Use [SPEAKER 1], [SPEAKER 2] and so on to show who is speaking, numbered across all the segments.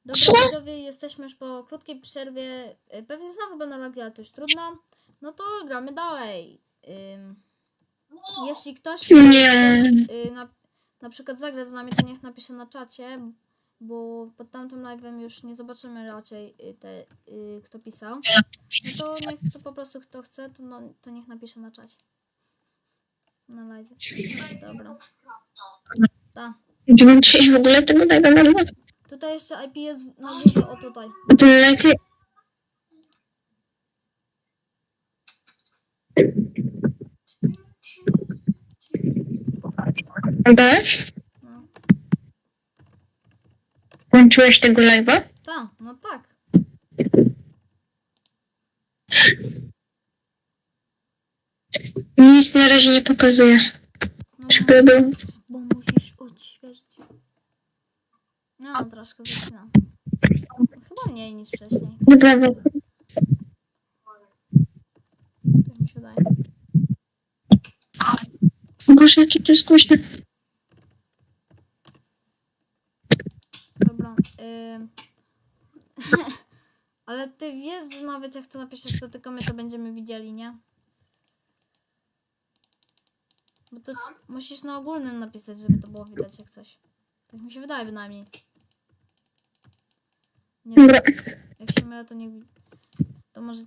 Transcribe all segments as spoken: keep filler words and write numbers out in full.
[SPEAKER 1] Dobra, widzowie, jesteśmy już po krótkiej przerwie. Y, Pewnie znowu będą lagi, ale to już trudno. No to gramy dalej. Ym, jeśli ktoś y, chce y, na, na przykład zagrać z nami, to niech napisze na czacie, bo pod tamtym live'em już nie zobaczymy raczej y, te, y, kto pisał. No to niech to po prostu kto chce, to, no, to niech napisze na czacie. Na live. Dobra. Ta.
[SPEAKER 2] Będziemy dzisiaj w ogóle tego live'a nagrywać?
[SPEAKER 1] Tutaj jeszcze I P jest na górze, o tutaj.
[SPEAKER 2] To lepiej... Adaś?
[SPEAKER 1] No.
[SPEAKER 2] Włączyłeś tego live'a?
[SPEAKER 1] Ta, no tak.
[SPEAKER 2] Nic na razie nie pokazuje.
[SPEAKER 1] No,
[SPEAKER 2] Żeby był...
[SPEAKER 1] bo musisz odświeżyć. No, troszkę zaczyna. Chyba mniej niż wcześniej.
[SPEAKER 2] Dobra,
[SPEAKER 1] Tak mi się wydaje.
[SPEAKER 2] Boże, jakie to jest głośne.
[SPEAKER 1] Dobra. Ym. Ale ty wiesz, że nawet jak to napiszesz, to tylko my to będziemy widzieli, nie? Bo to c- musisz na ogólnym napisać, żeby to było widać jak coś. Tak mi się wydaje bynajmniej. Nie wiem.
[SPEAKER 2] Dobra.
[SPEAKER 1] Jak się mylę, to nie... To może...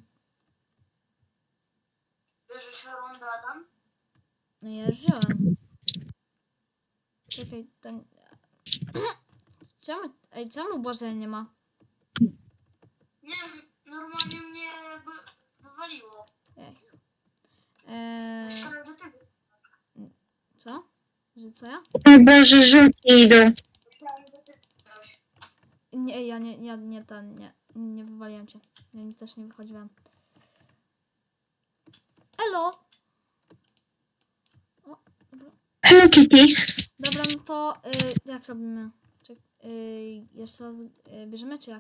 [SPEAKER 3] Bierzesz rundę, Adam?
[SPEAKER 1] No ja już wziąłem. Czekaj, to... Czemu... Ej, czemu Boże nie ma?
[SPEAKER 3] Nie, normalnie mnie jakby wywaliło.
[SPEAKER 1] Ej. Eee,
[SPEAKER 3] Myślałem, że ty
[SPEAKER 1] co? Że co ja?
[SPEAKER 2] O Boże, żółci idą.
[SPEAKER 3] Myślałem, że ty wywaliłeś.
[SPEAKER 1] Nie, ja nie, ja nie ten, nie, nie wywaliłem cię. Ja też nie wychodziłem. Elo! O, dobra.
[SPEAKER 2] Hello Kitty.
[SPEAKER 1] Dobra, no to y, jak robimy? Czek, y, jeszcze raz y, bierzemy, czy jak?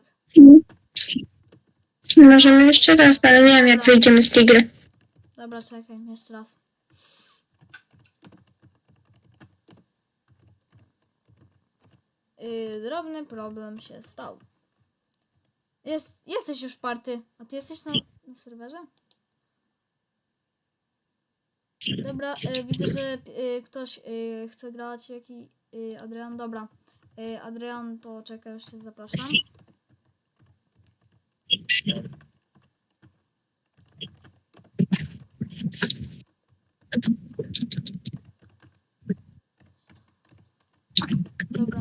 [SPEAKER 2] Możemy jeszcze raz, ale nie wiem jak wyjdziemy z tej gry.
[SPEAKER 1] Dobra, czekaj, jeszcze raz. Y, drobny problem się stał. Jest, jesteś już party, a ty jesteś na, na serwerze? Dobra, y, widzę, że y, ktoś y, chce grać, jaki y, Adrian, dobra. Y, Adrian, to czekaj, już cię zapraszam. Y, dobra,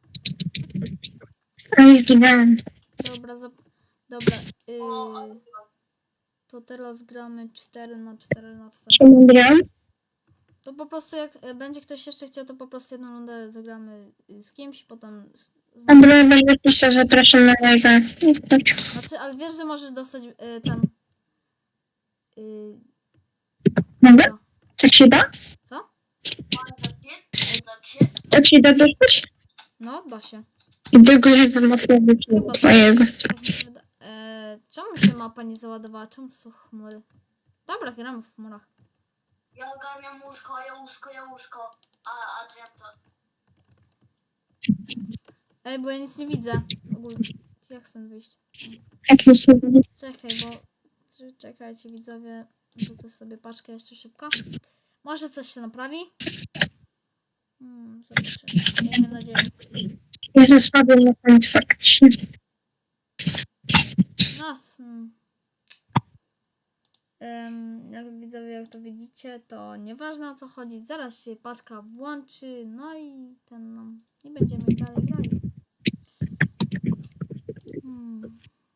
[SPEAKER 2] Ale zginąłem.
[SPEAKER 1] dobra, zap, dobra. Y, to teraz gramy cztery na cztery na cztery.
[SPEAKER 2] Czemu gram?
[SPEAKER 1] To po prostu jak y, będzie ktoś jeszcze chciał, to po prostu jedną rundę zagramy y, z kimś, potem z, z
[SPEAKER 2] A Bruno będzie pisał, zapraszam na live'a.
[SPEAKER 1] Znaczy, ale wiesz, że możesz dostać y, ten... Y,
[SPEAKER 2] Mogę?
[SPEAKER 1] dobra.
[SPEAKER 2] Tak się da?
[SPEAKER 1] Co?
[SPEAKER 3] Ale cię? To cię?
[SPEAKER 2] Tak się da dostać?
[SPEAKER 1] No, da się.
[SPEAKER 2] I tego live'a można być
[SPEAKER 1] Chyba
[SPEAKER 2] twojego.
[SPEAKER 1] tak mi się wyda... e, czemu się mapa nie załadowała? Czemu to są chmury? Dobra, gramy w chmurach.
[SPEAKER 3] Ja ogarniam łóżko, ja łóżko, ja łóżko. A Adrian to...
[SPEAKER 1] Ej, bo ja nic nie widzę. Ogólnie. Jak stąd wyjść?
[SPEAKER 2] Jak to się da?
[SPEAKER 1] Czekaj, bo... czy- Czekajcie, widzowie. Rzucę sobie paczkę jeszcze szybko. Może coś się naprawi? Hmm, zobaczymy. Miejmy nadzieję.
[SPEAKER 2] Ja zaspadłem na koniec faktycznie.
[SPEAKER 1] Nas. Hmm. Ym, jak widzowie, jak to widzicie, to nieważne o co chodzi. Zaraz się paczka włączy, no i ten no, i będziemy dalej grali. Hmm.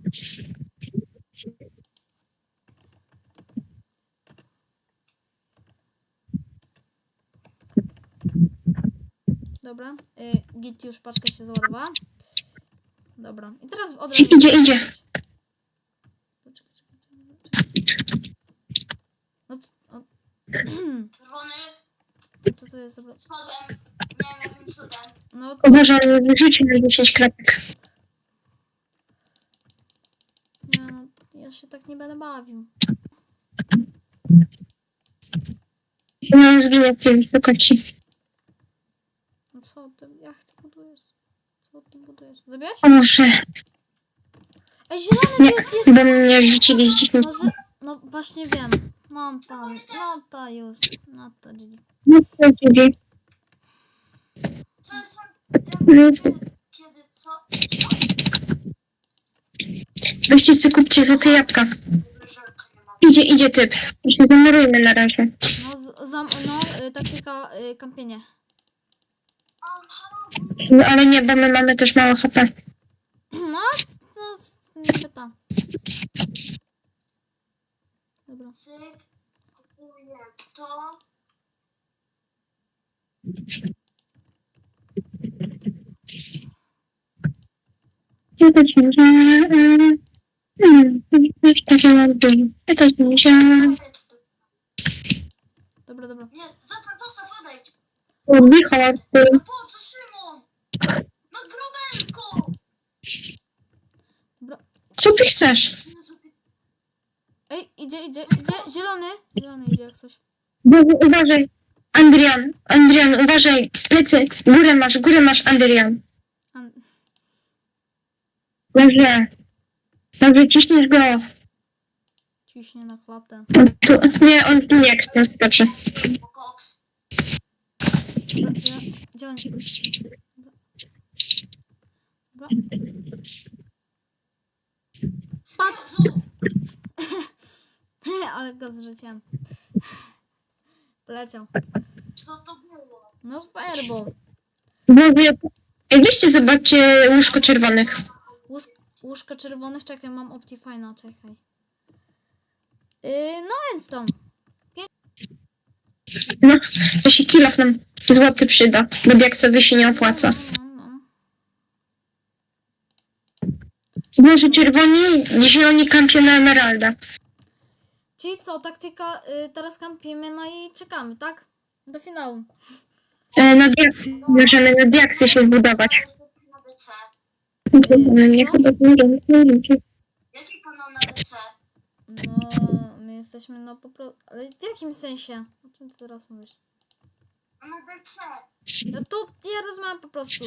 [SPEAKER 1] Dobra, y, git już paczka się załadowała. Dobra, i teraz od razu...
[SPEAKER 2] Idzie, idzie.
[SPEAKER 1] Poczekaj, czekaj, czekaj. No to, o,
[SPEAKER 3] Czerwony
[SPEAKER 1] co to jest? Dobra.
[SPEAKER 3] spadłem. Nie wiem jakim cudem.
[SPEAKER 1] No,
[SPEAKER 2] O Boże, ale wyrzuci na dziesięć kropek.
[SPEAKER 1] nie, no, ja się tak nie będę bawił.
[SPEAKER 2] Ja zginę z tej wysokości.
[SPEAKER 1] No co ty, jak ty budujesz? Co Co ty budujesz? Zabiłeś?
[SPEAKER 2] O, muszę.
[SPEAKER 1] Ej, zielony
[SPEAKER 2] Nie,
[SPEAKER 1] to jest, jest...
[SPEAKER 2] bo mnie rzucili z dziesięć.
[SPEAKER 1] Może... No właśnie wiem. No to, no to już. No to G G.
[SPEAKER 2] No, to dziękuję.
[SPEAKER 3] Co jest tam?
[SPEAKER 2] No.
[SPEAKER 3] Jak, kiedy, co? Co?
[SPEAKER 2] Weźcie sobie kupcie złote jabłka.
[SPEAKER 3] Żelka nie ma.
[SPEAKER 2] Idzie, idzie typ. Się zamerujmy na razie.
[SPEAKER 1] No, z, zam, no y, taktyka y, kampienie.
[SPEAKER 3] Aha,
[SPEAKER 2] No, ale nie, bo my mamy też mało H P.
[SPEAKER 1] No, to niby to. Dobra.
[SPEAKER 3] cyk, kupuję to.
[SPEAKER 2] Ja też nie wiem. Hmm, takie mam dym. Ja też nie wiedziałam.
[SPEAKER 3] Daję to.
[SPEAKER 1] Dobra, dobra.
[SPEAKER 3] Nie, zostaw, zostaw, odejdź.
[SPEAKER 2] O, Michał, ty.
[SPEAKER 3] No po co, Szymon? No grobelko!
[SPEAKER 1] Dobra.
[SPEAKER 2] Co ty chcesz?
[SPEAKER 3] Jezu,
[SPEAKER 1] Ej, idzie, idzie, idzie. Zielony. Zielony idzie jak coś.
[SPEAKER 2] Bogu, uważaj. Andrian, Andrian, uważaj. Plecy, górę masz, górę masz, Andrian.
[SPEAKER 1] An
[SPEAKER 2] Dobrze. Dobrze, ciśniesz go.
[SPEAKER 1] ciśnie na klatę.
[SPEAKER 2] Tu, nie, on tu nie jak się skoczy.
[SPEAKER 3] po koks.
[SPEAKER 1] Dobra, ja, gdzie on? Dobra. Dobra. Patrz!
[SPEAKER 3] Jezu!
[SPEAKER 1] Ale go zrzuciłem. Poleciał.
[SPEAKER 3] Co to było?
[SPEAKER 1] No fireball.
[SPEAKER 2] Bogu, ej, weźcie, zobaczcie łóżko czerwonych.
[SPEAKER 1] Łóż, łóżko czerwonych, czekaj, mam Optifine'a, czekaj. Yy, no więc to.
[SPEAKER 2] No, to się kilof nam złoty przyda, bo diaksowy się nie opłaca.
[SPEAKER 1] No, no, no.
[SPEAKER 2] Może czerwoni, zieloni kampią na emeralda.
[SPEAKER 1] Czyli co, taktyka, y, teraz kampimy, no i czekamy, tak? Do finału.
[SPEAKER 2] E, na diak możemy na diaksy się zbudować.
[SPEAKER 3] Na D C.
[SPEAKER 2] No, nie, chyba nie wiem.
[SPEAKER 3] Jaki kanał na D C?
[SPEAKER 1] No, my jesteśmy no po prostu... Ale w jakim sensie? O czym ty teraz mówisz?
[SPEAKER 3] No na D C.
[SPEAKER 1] No to ja rozmawiam po prostu.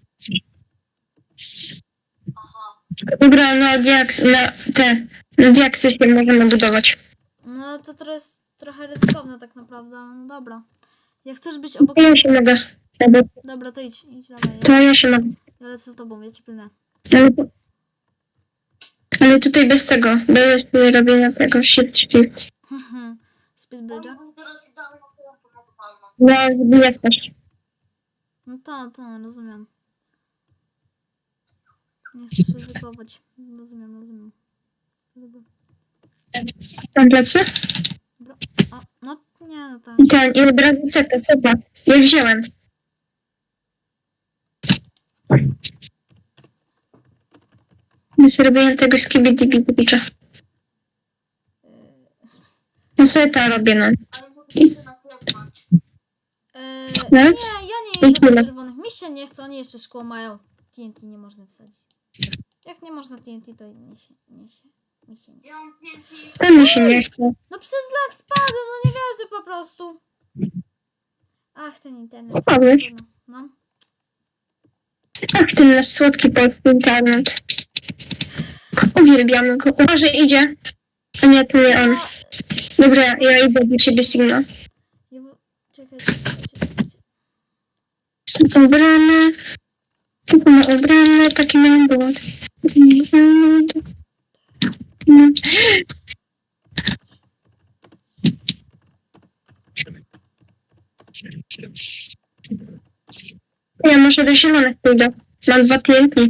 [SPEAKER 3] Aha.
[SPEAKER 2] Dobra, na diaks, na te, na diaksy się możemy budować.
[SPEAKER 1] No to to jest trochę ryzykowne tak naprawdę, ale no dobra. Jak chcesz być obok...
[SPEAKER 2] To ja się mogę.
[SPEAKER 1] Dobra, to idź, idź dalej.
[SPEAKER 2] To
[SPEAKER 1] Ja,
[SPEAKER 2] ja się mogę.
[SPEAKER 1] ja lecę z tobą, ja ci pilnę.
[SPEAKER 2] Ale, ale tutaj bez tego, bez robienia tego shift shift.
[SPEAKER 1] Speed Bridge'a?
[SPEAKER 3] Oni teraz idealną telefon na palma.
[SPEAKER 2] No, żeby nie wpaść.
[SPEAKER 1] No to, to, rozumiem. Nie chcesz ryzykować. Rozumiem, rozumiem. Dobra.
[SPEAKER 2] Tam plecy?
[SPEAKER 1] Dobra. A, no nie, no tak.
[SPEAKER 2] I ten, i od razu seta, seta. Ja wziąłem. Zrobiłem tego skibidi-bidi-bicza. No seta robię, no.
[SPEAKER 3] Ale mogę się naklepnąć.
[SPEAKER 1] Eee,
[SPEAKER 2] No?
[SPEAKER 1] nie, ja nie
[SPEAKER 2] I
[SPEAKER 1] jedę po
[SPEAKER 2] tyle.
[SPEAKER 1] czerwonych. Mi się nie chce, oni jeszcze szkło mają. T N T nie można wsadzić. Jak nie można T N T, to nie się, nie się, mi się nie.
[SPEAKER 3] Ja mam pięć i...
[SPEAKER 2] To mi się nie chce.
[SPEAKER 1] No przez lag spadłem, no nie wierzę po prostu. Ach, ten internet.
[SPEAKER 2] Spadłeś?
[SPEAKER 1] Trudno, no.
[SPEAKER 2] Ach, ten nasz słodki polski internet. Uwielbiamy go. Uważaj, idzie. A nie, to nie on.
[SPEAKER 1] No,
[SPEAKER 2] Dobra, ja idę do ciebie, Sigma.
[SPEAKER 1] ja, bo- czekajcie, czekajcie, czekajcie.
[SPEAKER 2] Ubrany. Tylko ma ubrany, taki mają błąd. Ja może do zielonych pójdę. Mam dwa T N T.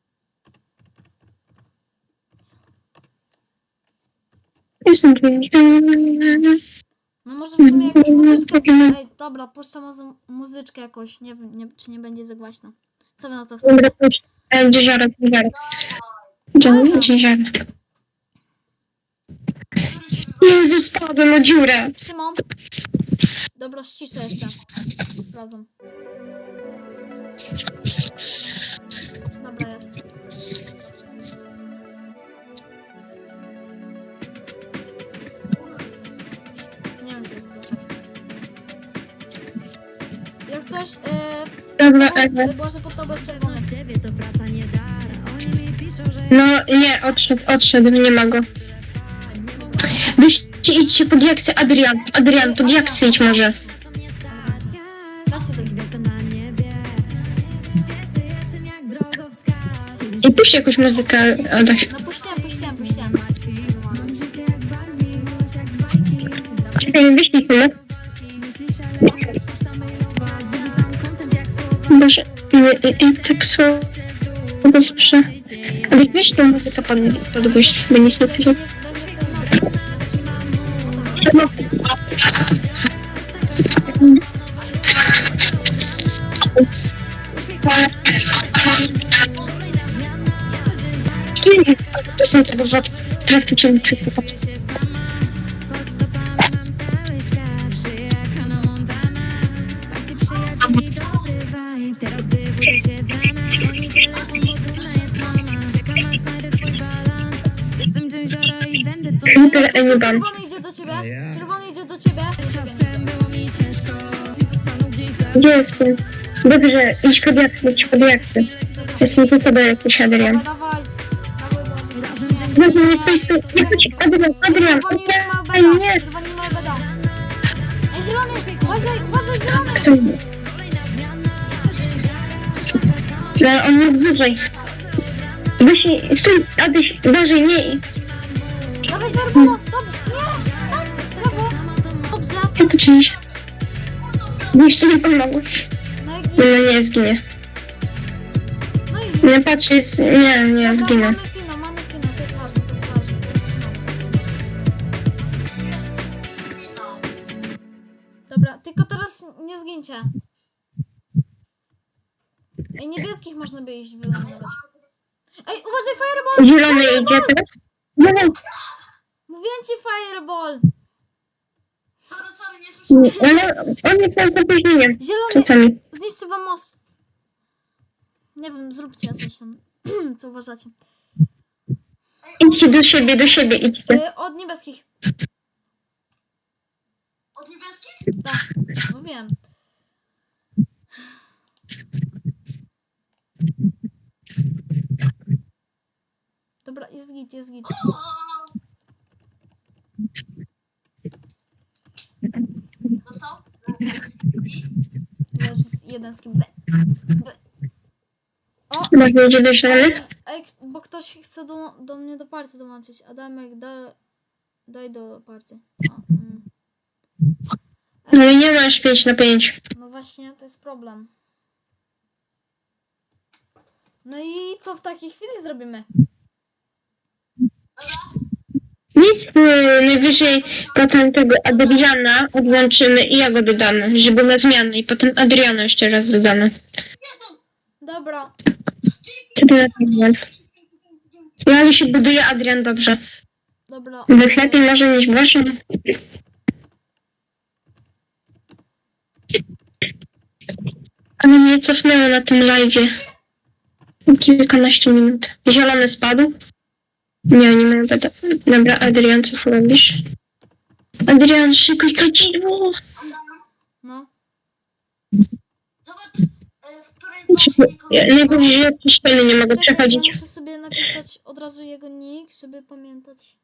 [SPEAKER 2] Jestem tu.
[SPEAKER 1] No może w sumie jakąś muzyczkę. Ej, dobra, puszczę może muzyczkę jakąś. Nie wiem, nie, czy nie będzie za głośno. Co wy na to chcecie?
[SPEAKER 2] Dobra, puść. E, Gdzie ziarek, gdzie ziarek.
[SPEAKER 3] Dawaj.
[SPEAKER 2] Gdzie, gdzie ziarek.
[SPEAKER 3] Który się wywalił?
[SPEAKER 2] Jezu, spadłem o dziurę.
[SPEAKER 1] Szymon? Dobra, ściszę jeszcze. Sprawdzam. Dobra, jest. Nie wiem, czy jest słychać. Jak coś, yy,
[SPEAKER 2] Dobra,
[SPEAKER 1] tobą,
[SPEAKER 2] Ewa.
[SPEAKER 1] y, Boże, pod tobą jest czerwony.
[SPEAKER 2] No nie, odszedł, odszedł, nie ma go. Wyście idźcie pod jaksy, Adrian. Adrian, pod jaksy idź może.
[SPEAKER 1] Dajcie do ciebie.
[SPEAKER 2] I puść jakąś muzykę, Adaś.
[SPEAKER 1] No puściłem, puściłem, puściłem.
[SPEAKER 2] Czekaj, wyślij filmy. Boże, i, i, i tak słabo słyszę. Ale weź tą muzykę pod, podgłoś, by nic nie
[SPEAKER 1] Nie, nie,
[SPEAKER 2] pisał.
[SPEAKER 1] będzie to nas.
[SPEAKER 2] To są te wywody praktycznie przykład. Super, a nie ban.
[SPEAKER 1] Czerwony idzie do ciebie. Czerwony idzie do ciebie.
[SPEAKER 2] Gdzie jest ten? Dobrze, idź pod jaksy, idź pod jaksy. Jest mi tylko do jakiś Adrian.
[SPEAKER 1] Dawaj, dawaj. Dawaj, Boże.
[SPEAKER 2] Dobrze, nie spójrz tu. Nie chodź, Adrian, Adrian.
[SPEAKER 1] Czerwoni już mają
[SPEAKER 2] Ej,
[SPEAKER 1] beda.
[SPEAKER 2] nie.
[SPEAKER 1] Czerwoni mają beda. Ej, zielony! Uważaj, uważaj, zielony!
[SPEAKER 2] To nie. No, ale on jest wyżej. Weź, stój, Adyś, uważaj, nie.
[SPEAKER 1] Dawaj, Werbono! Dobrze, nie! Tak, brawo! Dobrze.
[SPEAKER 2] Ja to czynisz. Bo jeszcze nie pomogłeś.
[SPEAKER 1] No i
[SPEAKER 2] No
[SPEAKER 1] git.
[SPEAKER 2] nie, zginie.
[SPEAKER 1] No i git.
[SPEAKER 2] Nie patrz, jest... Nie, nie,
[SPEAKER 1] Dobra,
[SPEAKER 2] zginę.
[SPEAKER 1] mamy finał, mamy finał, to jest ważne, to jest ważne. To trzymamy, to trzymamy. Dobra, tylko teraz nie zgincie. Ej, niebieskich można by iść wyeliminować. Ej, uważaj, fireball!
[SPEAKER 2] Zielony idzie teraz. Dawaj.
[SPEAKER 1] Mówiłem ci fireball!
[SPEAKER 3] Sorry, sorry, nie słyszałem.
[SPEAKER 2] Ale on jest tam z opóźnieniem.
[SPEAKER 1] Zielony!
[SPEAKER 2] Czasami.
[SPEAKER 1] Zniszczy wam most. Nie wiem, zróbcie coś tam. Co uważacie?
[SPEAKER 2] Idźcie do siebie, do siebie idźcie.
[SPEAKER 1] Y, od niebieskich.
[SPEAKER 3] Od niebieskich?
[SPEAKER 1] Tak, mówiłem. Dobra, jest git, jest git.
[SPEAKER 3] Dostał? I?
[SPEAKER 1] Wiesz, jest jeden z kim. Z kim. O!
[SPEAKER 2] Można idzie do zielonych?
[SPEAKER 1] Ej, bo ktoś chce do, do mnie do partii dołączyć. Adamek, da, daj do partii. O, mm.
[SPEAKER 2] Ale nie masz pięć na pięć.
[SPEAKER 1] No właśnie, to jest problem. No i co w takiej chwili zrobimy?
[SPEAKER 2] Nic, yy, najwyżej potem tego Adriana odłączymy i ja go dodamy, żeby na zmianę i potem Adriana jeszcze raz dodamy.
[SPEAKER 1] Dobra,
[SPEAKER 2] Co to na Adrian? Ja ale się buduje Adrian dobrze.
[SPEAKER 1] dobra.
[SPEAKER 2] Bez lepiej może niż Boże. Ale mnie cofnęło na tym live'ie. Kilkanaście minut. Zielony spadł? Nie, nie mają beda. Dobra, Adrian, co robisz? Adrian, szykuj kadzidło!
[SPEAKER 1] No.
[SPEAKER 3] Zobacz, e, w której właśnie
[SPEAKER 2] Ja- Najbardziej ja tu ściany nie mogę
[SPEAKER 1] Czekaj, ja
[SPEAKER 2] przechodzić.
[SPEAKER 1] muszę sobie napisać od razu jego nick, żeby pamiętać.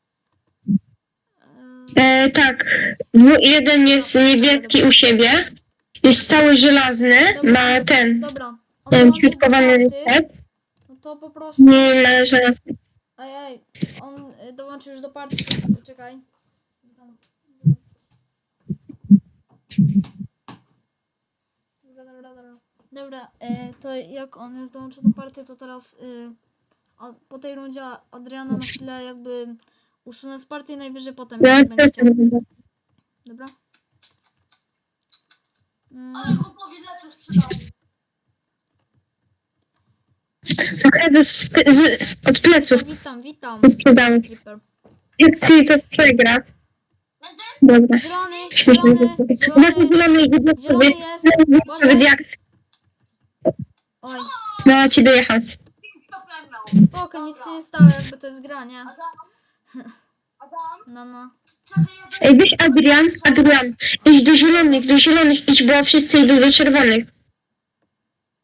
[SPEAKER 1] Eee,
[SPEAKER 2] E, tak, Dwu- jeden jest niebieski u siebie, jest cały żelazny, ma ten,
[SPEAKER 1] Dobra. On
[SPEAKER 2] ten
[SPEAKER 1] dołączył do
[SPEAKER 2] ćwiartkowany
[SPEAKER 1] party,
[SPEAKER 2] reset,
[SPEAKER 1] no to po prostu...
[SPEAKER 2] nie ma żelazny.
[SPEAKER 1] Ej, ej, on y, dołączył już do partii. Czekaj. Dobra, dobra, dobra. Dobra, e, to jak on już dołączył do partii, to teraz y, a, po tej rundzie Adriana na chwilę jakby usunę z partii, najwyżej potem
[SPEAKER 2] Ja
[SPEAKER 1] jak będzie
[SPEAKER 2] też
[SPEAKER 1] chciał.
[SPEAKER 2] nie będę.
[SPEAKER 1] Dobra? Mm,
[SPEAKER 3] Ale chłopowi lepsze sprzedał.
[SPEAKER 2] Trochę z, z, od pleców
[SPEAKER 1] witam, witam.
[SPEAKER 2] sprzedałem.
[SPEAKER 1] Creeper.
[SPEAKER 2] Jak ty to przegra.
[SPEAKER 3] Będę?
[SPEAKER 2] Dobra.
[SPEAKER 1] Zielony,
[SPEAKER 2] Śmiesznie.
[SPEAKER 1] zielony,
[SPEAKER 2] Właśnie
[SPEAKER 1] zielony,
[SPEAKER 2] zielony idzie do
[SPEAKER 1] zielony
[SPEAKER 2] sobie.
[SPEAKER 1] jest.
[SPEAKER 2] Nawet
[SPEAKER 1] Boże,
[SPEAKER 2] jak
[SPEAKER 1] oj,
[SPEAKER 2] no ci dojechał.
[SPEAKER 3] Problem miał.
[SPEAKER 1] spoko, nic się nie stało, jakby to jest gra, nie?
[SPEAKER 3] Adam? Adam?
[SPEAKER 1] No, no.
[SPEAKER 3] Co ty jeden?
[SPEAKER 2] Ej, weź Adrian, Adrian, idź do zielonych, do zielonych idź, bo wszyscy idą do czerwonych.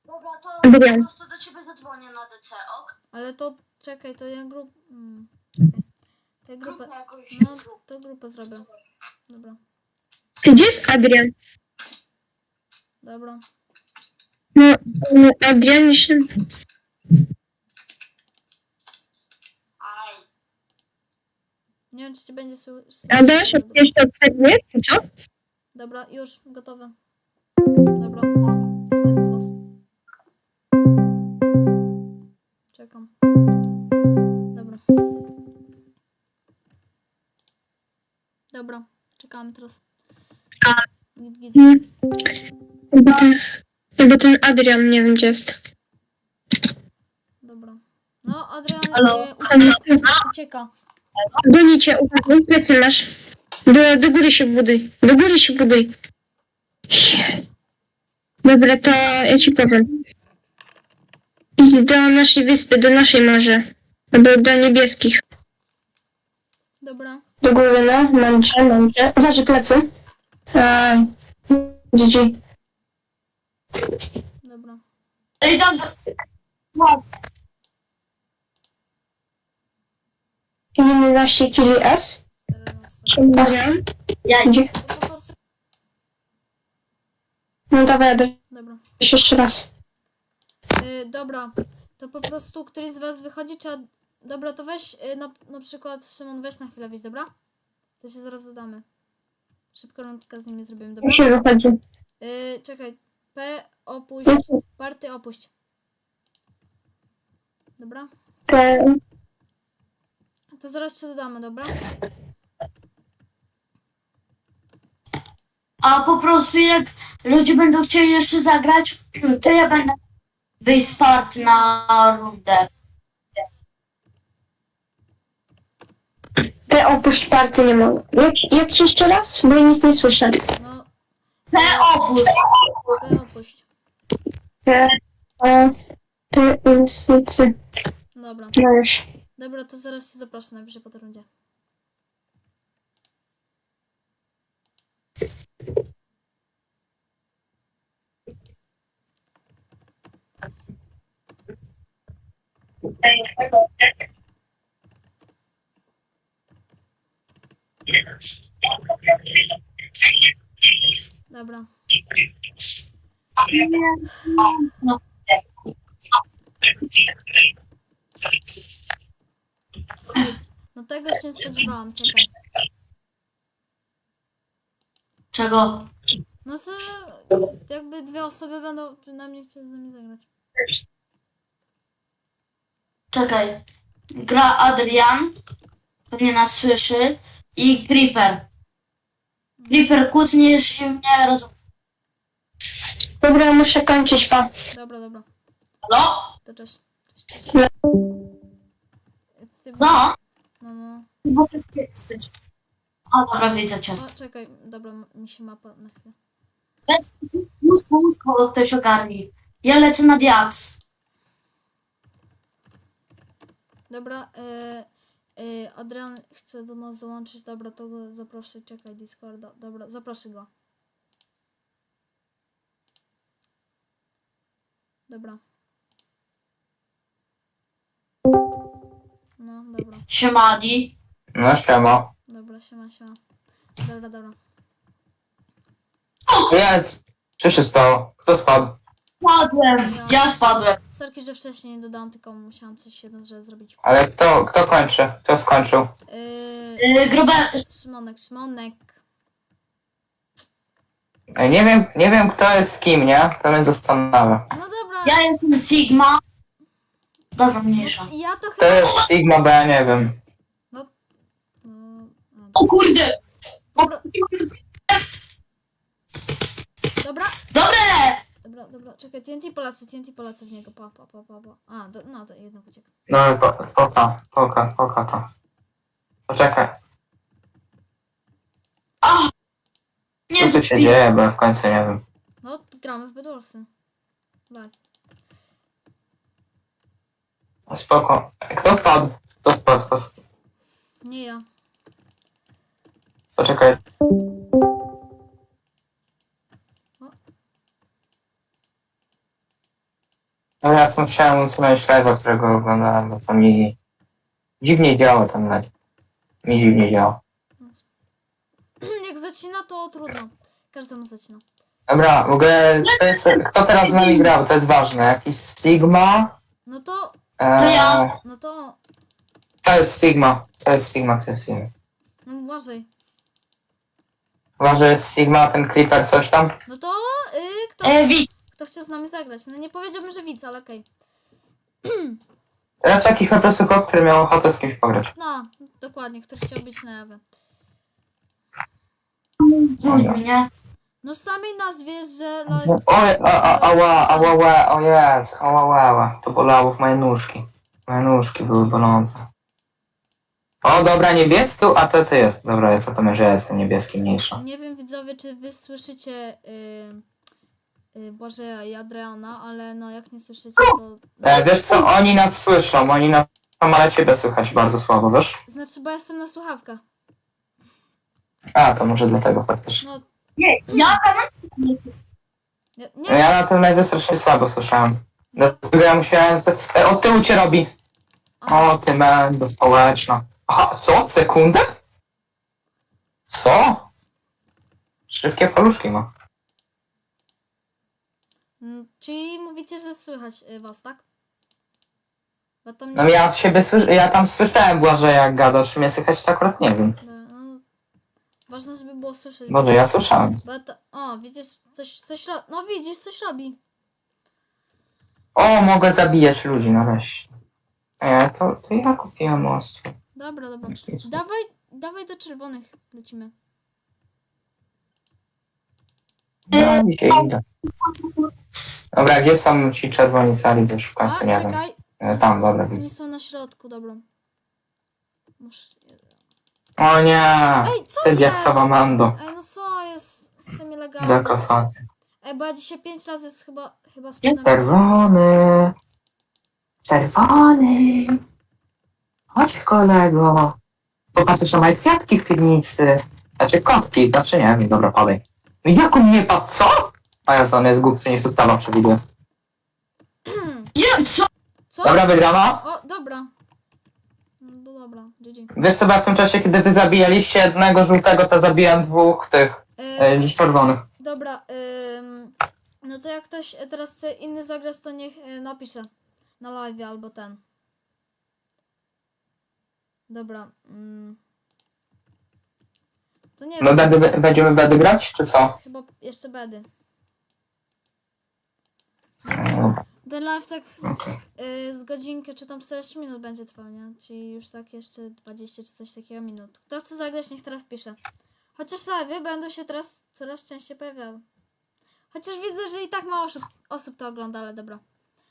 [SPEAKER 3] po
[SPEAKER 2] Adrian.
[SPEAKER 3] prostu do ciebie zadzwonię na D C, ok?
[SPEAKER 1] Ale to, czekaj, to ja grup... Mm, czekaj. To ja grupę...
[SPEAKER 3] Grupę jakąś
[SPEAKER 1] No,
[SPEAKER 3] zrób.
[SPEAKER 1] to grupę zrobię. Dobra,
[SPEAKER 2] Gdzie jest Adrian?
[SPEAKER 1] dobra.
[SPEAKER 2] No, no Adrian się...
[SPEAKER 3] Aj.
[SPEAKER 1] Nie wiem, czy ci będzie słyszeć.
[SPEAKER 2] A dasz jeszcze obserwuję, co?
[SPEAKER 1] Dobra, już, gotowe. Dobra, koniec was. Czekam. Dobra. Dobra, czekamy teraz. Git, git.
[SPEAKER 2] Hmm. Jakby ten, jakby ten Adrian nie wiem gdzie jest.
[SPEAKER 1] Dobra. No, Adrian
[SPEAKER 3] Halo?
[SPEAKER 1] e, ucieka. ucieka.
[SPEAKER 2] Gonicie, uważaj, plecy masz. Do, do góry się buduj. Do góry się buduj. Dobra, to ja ci powiem. Idź do naszej wyspy, do naszej morza. Albo do niebieskich.
[SPEAKER 1] Dobra.
[SPEAKER 2] Do góry, no. Mądrze, mądrze. Uważaj plecy. Eee, G G.
[SPEAKER 1] Dobra.
[SPEAKER 3] Ej, tam... No,
[SPEAKER 2] jedenaście kili S.
[SPEAKER 1] Teraz.
[SPEAKER 2] Adrian.
[SPEAKER 3] ja
[SPEAKER 2] Gdzie?
[SPEAKER 1] To po prostu...
[SPEAKER 2] No dawaj, Adrian.
[SPEAKER 1] Dobra.
[SPEAKER 2] Jeszcze raz.
[SPEAKER 1] Y, dobra. To po prostu któryś z was wychodzi, czy... Ad- Dobra, to weź y, na, na przykład Szymon, weź na chwilę wyjść, dobra? To się zaraz dodamy. Szybko rundkę z nimi zrobimy, dobra?
[SPEAKER 2] Jak się wychodzi?
[SPEAKER 1] Y, czekaj. P opuść. Party opuść. Dobra?
[SPEAKER 2] Te-
[SPEAKER 1] To zaraz się dodamy, dobra?
[SPEAKER 3] A po prostu jak ludzie będą chcieli jeszcze zagrać, to ja będę wyjść z part na rundę.
[SPEAKER 2] Te opuść party nie mogę. Jak, jak jeszcze raz? Bo ja nic nie słyszę.
[SPEAKER 1] No,
[SPEAKER 3] P opus.
[SPEAKER 1] P opuść.
[SPEAKER 2] Te, o, te, instytucje.
[SPEAKER 1] Dobra.
[SPEAKER 2] No już.
[SPEAKER 1] Dobra, to zaraz się zaproszę najwyżej po tej rundzie. Dobra.
[SPEAKER 3] No.
[SPEAKER 1] Ej, no tego się nie spodziewałam, czekaj.
[SPEAKER 3] Czego?
[SPEAKER 1] No, że jakby dwie osoby będą przynajmniej chciały z nami zagrać.
[SPEAKER 3] Czekaj. Gra Adrian. Pewnie nas słyszy. I Creeper. Creeper kłótnie, jeśli mnie rozumie.
[SPEAKER 2] Dobra, muszę kończyć, pa.
[SPEAKER 1] Dobra, dobra.
[SPEAKER 3] Halo?
[SPEAKER 1] To cześć. Cześć. Ty,
[SPEAKER 3] No.
[SPEAKER 1] no, no.
[SPEAKER 3] W ogóle gdzie jesteś? O, dobra, widzę cię.
[SPEAKER 1] O, czekaj, dobra, m- mi się mapa na chwilę.
[SPEAKER 3] Łóżko, łóżko ktoś ogarni. Ja lecę na diaks.
[SPEAKER 1] Dobra, e, e, Adrian chce do nas dołączyć, dobra, to go zaproszę, czekaj, Discorda, dobra, zaproszę go. Dobra. No, dobra,
[SPEAKER 3] Siemadi.
[SPEAKER 4] No siema.
[SPEAKER 1] dobra, siema, siema. Dobra, dobra.
[SPEAKER 4] Jest! Co się stało? Kto spadł?
[SPEAKER 3] Spadłem. Ja spadłem.
[SPEAKER 1] Sorki, że wcześniej nie dodałam, tylko musiałam coś jedno, że zrobić.
[SPEAKER 4] Ale kto, kto kończy? Kto skończył?
[SPEAKER 1] Yy,
[SPEAKER 3] Yy, Grube...
[SPEAKER 1] Szymonek, Szymonek.
[SPEAKER 4] Ej, Nie wiem, nie wiem kto jest kim, nie? To mnie zastanawia.
[SPEAKER 1] No dobra,
[SPEAKER 3] Ja jestem Sigma. Dobra, mniejsza.
[SPEAKER 1] ja to
[SPEAKER 4] To
[SPEAKER 1] chyba...
[SPEAKER 4] jest Sigma, bo ja nie wiem.
[SPEAKER 1] No, no, a,
[SPEAKER 3] O kurde!
[SPEAKER 1] dobra, dobra,
[SPEAKER 3] Dobre!
[SPEAKER 1] dobra, dobra, czekaj, T N T Polacy, T N T Polacy w niego, pa, pa, pa, pa, pa. A, do, no to jednak uciekł.
[SPEAKER 4] No po, poka, poka, poka to. Poczekaj,
[SPEAKER 3] A! Nie
[SPEAKER 4] co tu się dzieje, bo ja w końcu nie wiem.
[SPEAKER 1] No, gramy w Bedwarsy. Tak.
[SPEAKER 4] Spoko. Kto spadł? Kto spadł? Kto spadł?
[SPEAKER 1] Nie ja.
[SPEAKER 4] Poczekaj. No ja sam chciałem usunąć live'a, którego oglądałem, bo to mi dziwnie działa ten live. Mi dziwnie działa.
[SPEAKER 1] Jak zacina, to trudno. Każdemu zacina.
[SPEAKER 4] Dobra, w ogóle to jest, kto teraz z nami grał, to jest ważne. Jakiś Sigma?
[SPEAKER 1] No to,
[SPEAKER 4] Eee,
[SPEAKER 3] To ja.
[SPEAKER 1] no to,
[SPEAKER 4] To jest Sigma. To jest Sigma, to jest Sigma.
[SPEAKER 1] no uważaj.
[SPEAKER 4] Chyba, że jest Sigma, ten Creeper, coś tam.
[SPEAKER 1] No to, y, kto,
[SPEAKER 3] E, wi-
[SPEAKER 1] kto chce z nami zagrać? No nie powiedziałbym, że widz, ale okej.
[SPEAKER 4] Raczej jakiś po prostu chłop, który miał ochotę z kimś pograć.
[SPEAKER 1] No, dokładnie, który chciał być na jawie.
[SPEAKER 3] dzwonił, nie?
[SPEAKER 1] No z samej nazwie, że live...
[SPEAKER 4] Oj, a, a, ała, ała, ała, o jest, ała, ała, ała. To bolało w moje nóżki. Moje nóżki były bolące. O, dobra, niebieski, a to ty jest. Dobra, ja zapomnę, że ja jestem niebieski mniejsza.
[SPEAKER 1] Nie wiem, widzowie, czy wy słyszycie y, y, Błażeja i Adriana, ale no jak nie słyszycie, to...
[SPEAKER 4] E, wiesz co, oni nas słyszą, oni nas słyszą, ale ciebie słychać bardzo słabo, wiesz?
[SPEAKER 1] Znaczy, bo ja jestem na słuchawkach.
[SPEAKER 4] A, to może dlatego faktycznie.
[SPEAKER 1] No,
[SPEAKER 3] Nie, ja tam...
[SPEAKER 1] nie,
[SPEAKER 4] No
[SPEAKER 1] nie
[SPEAKER 4] ja na tym live strasznie słabo słyszałem. Dlatego ja musiałem... z- E, od tyłu cię robi. O, ty mendo społeczna. Aha, co? Sekundę? Co? Szybkie paluszki ma.
[SPEAKER 1] Mm, czyli mówicie, że słychać y, was, tak? Bo tam nie...
[SPEAKER 4] No ja od siebie słysz... ja tam słyszałem Błażej jak gadasz, mnie słychać to akurat nie wiem.
[SPEAKER 1] No, ważne, żeby było słyszeć.
[SPEAKER 4] Boże, ja słyszałem.
[SPEAKER 1] Bo to... O, widzisz, coś, coś robi. No widzisz, coś robi.
[SPEAKER 4] O, mogę zabijać ludzi nareszcie. E, to, to ja kupiłem most.
[SPEAKER 1] Dobra, dobra. Dawaj, dawaj do czerwonych lecimy.
[SPEAKER 4] No, dzisiaj idę. Dobra, gdzie są ci czerwoni sali, to już w
[SPEAKER 1] A,
[SPEAKER 4] końcu nie wiem.
[SPEAKER 1] czekaj.
[SPEAKER 4] E, tam, dobra,
[SPEAKER 1] Oni
[SPEAKER 4] widzę.
[SPEAKER 1] są na środku, dobra. Muszę...
[SPEAKER 4] O nie!
[SPEAKER 1] Ej, co
[SPEAKER 4] Ty
[SPEAKER 1] jest?
[SPEAKER 4] diaksowa Mando.
[SPEAKER 1] Ej, no co jest z tymi legami?
[SPEAKER 4] Do kasacji.
[SPEAKER 1] Ej, bo ja dzisiaj pięć razy z- chyba, chyba spadłem.
[SPEAKER 4] Czerwony! Czerwony! Chodź kolego! Popatrz, że ma kwiatki w piwnicy. Znaczy kotki, znaczy nie wiem, dobra, padaj. No jak on nie padł, co? A ja on jest głupszy niż ustawa przewiduje.
[SPEAKER 3] Ja, co?
[SPEAKER 1] Co?
[SPEAKER 4] Dobra, wygrana.
[SPEAKER 1] O, dobra. No to dobra, G G.
[SPEAKER 4] Wiesz co, bo ja w tym czasie, kiedy wy zabijaliście jednego żółtego, to zabiłem dwóch tych,
[SPEAKER 1] E,
[SPEAKER 4] e, dziś czerwonych.
[SPEAKER 1] dobra, ym, no to jak ktoś teraz chce inny zagrać, to niech y, napisze na live albo ten. Dobra. Mm. To nie
[SPEAKER 4] No
[SPEAKER 1] wiem,
[SPEAKER 4] bedy, będziemy bedy grać, czy co?
[SPEAKER 1] chyba jeszcze bedy.
[SPEAKER 4] Dobra,
[SPEAKER 1] Ten live tak
[SPEAKER 4] okej.
[SPEAKER 1] y, z godzinkę czy tam czterdzieści minut będzie trwał, nie? Czyli już tak jeszcze dwadzieścia czy coś takiego minut. Kto chce zagrać, niech teraz pisze. Chociaż live będą się teraz coraz częściej pojawiały. Chociaż widzę, że i tak mało osób, osób to ogląda, ale dobra.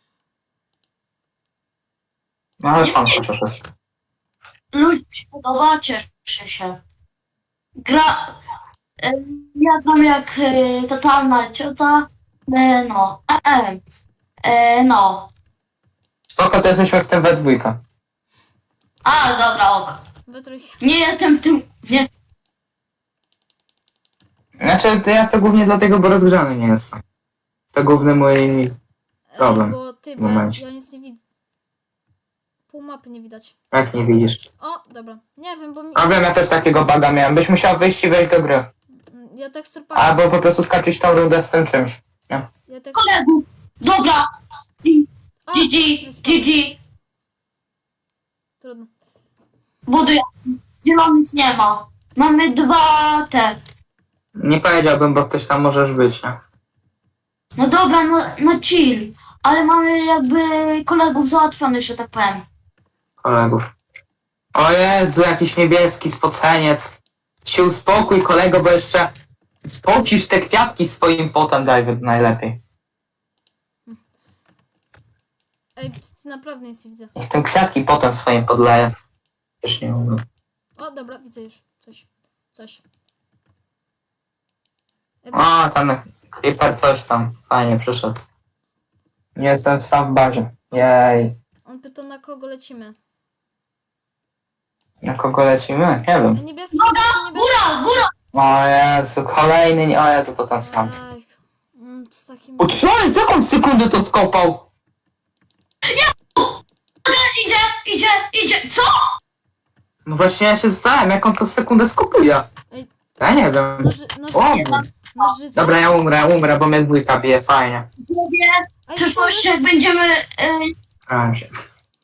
[SPEAKER 4] No ale pan chociaż jest.
[SPEAKER 3] Ludzie się podoba, cieszę się. Gra... E, ja gram jak e, totalna ciota. E, no. E, e, e, no.
[SPEAKER 4] Spoko, to jesteśmy w tym we dwójkę.
[SPEAKER 3] A, dobra, ok.
[SPEAKER 1] We trójkę.
[SPEAKER 3] Nie jestem w tym... Nie,
[SPEAKER 4] Znaczy, to ja to głównie dlatego, bo rozgrzany nie jestem. To główny mój... Problem.
[SPEAKER 1] Ej, bo ty,
[SPEAKER 4] w
[SPEAKER 1] bo ja,
[SPEAKER 4] momencie.
[SPEAKER 1] ja nic nie widzę. Pół mapy nie widać.
[SPEAKER 4] Jak nie widzisz.
[SPEAKER 1] O, dobra. Nie wiem, bo mi...
[SPEAKER 4] A wiem, ja też takiego baga miałem. Byś musiał wyjść i wejść do gry.
[SPEAKER 1] Ja tekstur pack...
[SPEAKER 4] Albo po prostu skoczyć tą rundę z tym czymś.
[SPEAKER 1] Ja tekstur...
[SPEAKER 3] kolegów. Dobra.
[SPEAKER 1] O,
[SPEAKER 3] G G,
[SPEAKER 1] nie spadłem.
[SPEAKER 3] G G.
[SPEAKER 1] Trudno.
[SPEAKER 3] Buduję. Zielonych nie ma. Mamy dwa te.
[SPEAKER 4] Nie powiedziałbym, bo ktoś tam możesz być, nie?
[SPEAKER 3] No dobra, no, no chill. Ale mamy jakby kolegów załatwionych, że tak powiem.
[SPEAKER 4] Kolegów. O Jezu, jakiś niebieski spoceniec. Się uspokój, kolego, bo jeszcze spocisz te kwiatki swoim potem, David, najlepiej.
[SPEAKER 1] Ej, ty naprawdę nic nie widzę.
[SPEAKER 4] Niech tym kwiatki potem swoim podleję. Już nie umiem.
[SPEAKER 1] O, dobra, widzę już. Coś. Coś. Ej,
[SPEAKER 4] A, tam Creeper coś tam. Fajnie przyszedł. Nie jestem sam w bazie. Jej.
[SPEAKER 1] on pyta, na kogo lecimy.
[SPEAKER 4] Na kogo lecimy? Nie wiem.
[SPEAKER 1] Ej, niebieski, niebieski, niebieski.
[SPEAKER 3] Góra, góra.
[SPEAKER 4] O Jezu, kolejny, nie- o Jezu, to ten sam.
[SPEAKER 1] Ej, mm, z takim...
[SPEAKER 4] O co? Jak on w sekundę to skopał?
[SPEAKER 3] idzie, idzie, co?
[SPEAKER 4] No właśnie ja się zastanawiam, jak on to w sekundę skupuje.
[SPEAKER 1] Ej.
[SPEAKER 4] Ja nie wiem.
[SPEAKER 1] Noży, noży,
[SPEAKER 4] O,
[SPEAKER 1] nożyce?
[SPEAKER 4] dobra, ja umrę, umrę, bo mnie dwójka bije, fajnie.
[SPEAKER 3] Mówię, w
[SPEAKER 1] Ej,
[SPEAKER 3] przyszłości jak będziemy... E,
[SPEAKER 4] Staram się.